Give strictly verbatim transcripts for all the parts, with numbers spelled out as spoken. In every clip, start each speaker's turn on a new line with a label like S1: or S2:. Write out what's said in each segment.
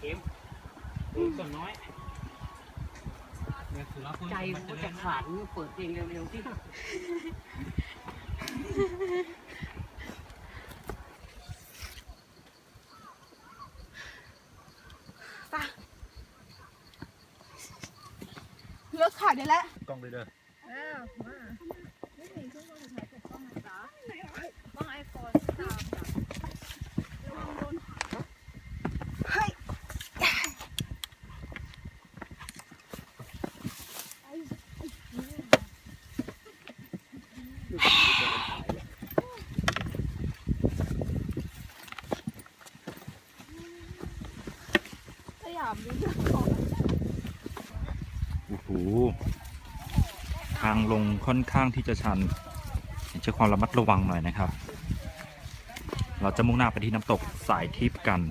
S1: ค็มส่วนน้อยใจมันจะขาดเปิดเพลงเร็วๆที่
S2: เลิกขาดได้แล้ว
S3: กล้องเลยเด้อ
S2: อ้าวมาไม่มีเครื่องมือถือใช้กล้องนะจ๊ะกล้องไอโฟนสามจ้ะระวังโดนเฮ้ยพยายามดูนะ
S3: โอ้โหทางลงค่อนข้างที่จะชันใช้ความระมัดระวังหน่อยนะครับเราจะมุ่งหน้าไปที่น้ำตกสายทิพย์กัน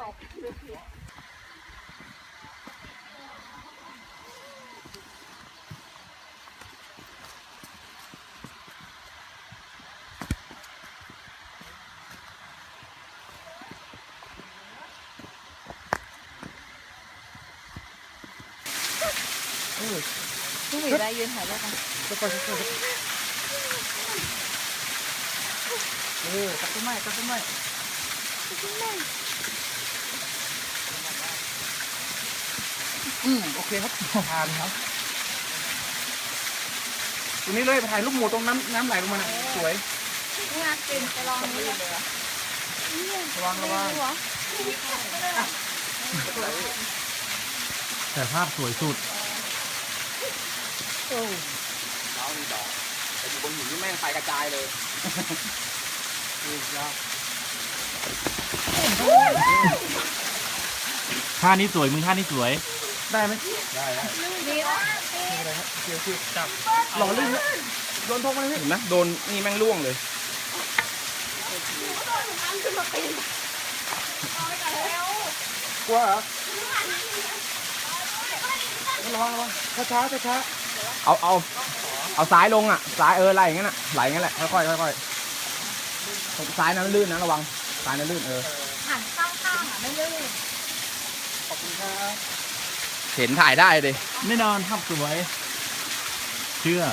S2: พี่หมีได้ยืนถ่ายรูปกัน
S1: จะไปจะไปเออตัดต้นไม้ตัดต้นไม้อืมโอเคครับผ่านครับตรงนี้เลยไปถ่ายรูปหมูตรงน้ำน้ำไหลลงมาสวย
S2: นี่ไงกินไปลองนี่เลย
S1: ระวังระวัง
S3: แต่ภาพสวยสุด
S1: เรานี่ดอกแต่อยู่บนหินนี่แม่งไฟกระจายเลยนี่ยอด
S3: ท่านี้สวยมึงท่านี้สวย
S1: ได้ไหมได้ได้
S2: ดีละ
S1: นี่อะไรครับเกี่ยวคือจับหล่อลื่นโดนทงมาเลยเห็นนะโดนนี่แม่งล่วงเลยกลัวเหรอระวังระวังช้าช้าช้าช้าเอาเอาเอาซ้ายลงอ่ะซ้ายเออไหลอย่างนั้นอ่ะไหลอย่างนั้นแหละค่อยค่อยค่อยซ้ายนั้นลื่นนะระวังซ้ายนั้นลื่นเออ
S2: หันข้างๆอ่ะไม่ลื่น
S1: ขอบคุณครับเห็นถ่ายได้เลย
S3: แน่นอนภาพสวยเชื่อ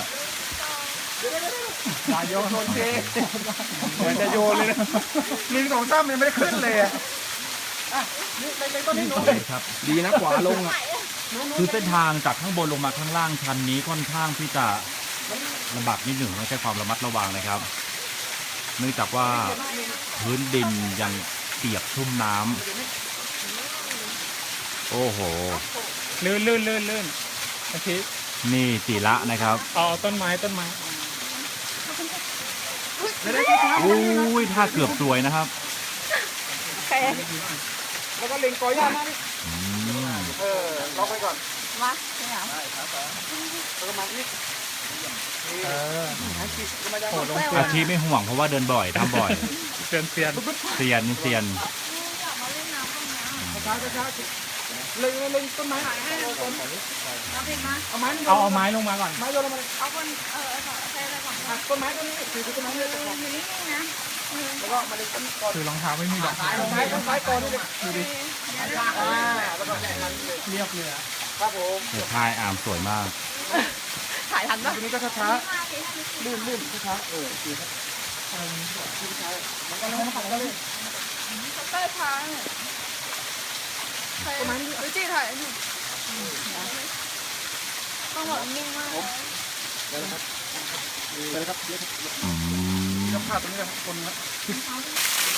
S1: อย่าโยนโดนเทเหมือนจะโยนเลยนะหนึ่งสองสามยังไม่ได้ขึ้นเลยอ่ะนี่ไปต้นนี้หนูเลยครับดีนะขวาลงอ่ะ
S3: คือเส้นทางจากข้างบนลงมาข้างล่างชันนี้ค่อนข้างที่จะลำบากนิดหนึ่งต้องใช้ความระมัดระวังนะครับเนื่องจากว่าพื้นดินยังเปียกชุ่มน้ำโอ้โห
S1: ลื่นลื่นลื่นลื่นโอเค
S3: นี่ตีละนะครับ
S1: อ๋อต้นไม้ต้นไม้
S3: อุ้ยท่าเกือบสวยนะครับ
S1: แล้วก็เล็งกอย่ามาดิเออล็อกไปก่อน
S2: มาไม่เอา
S1: ประมาณนี้เออ
S3: อาชีพไม่ห่วงเพราะว่าเดินบ่อยทำบ่อย
S1: เซียนเซียน
S3: เซียนเซียน
S1: ช้าช้าเล็งเล็งต้นไม้
S2: เอาต้นเอาเพลงมา
S1: เอาไม้
S3: เอาเอาไม้ลงมาก่อน
S1: ไม้โยนลงมา
S2: เอาคนเออเอาใช้อะไรก่อน
S1: ต้นไม้ต้นนี้คือต้นไม้เลย
S2: อยู่นี่นะ
S1: แล้วก็มาเล็งต้นก่อน
S3: คือรองเท้าไม่มีดอก
S1: ไม้ต้นไม้ต้นไม้ก่อนนี่เลยดูดิแล้วก็เรียบเลยครับผม
S3: เดี๋ยวถ่ายอามสวยมาก
S2: ถ่ายทันปะ
S1: ทีนี้ก็ช้าๆลื่นลื่นช้าๆเออดีครับช้าๆมันก็แล้วมันก็เลย
S2: เต้ยช้าประมาณนี้จีถ่ายนี่ต้องแบบนิ่งมาก
S1: เลยครับเลยครับเลยครับภาพตรงนี้ครับคนครับ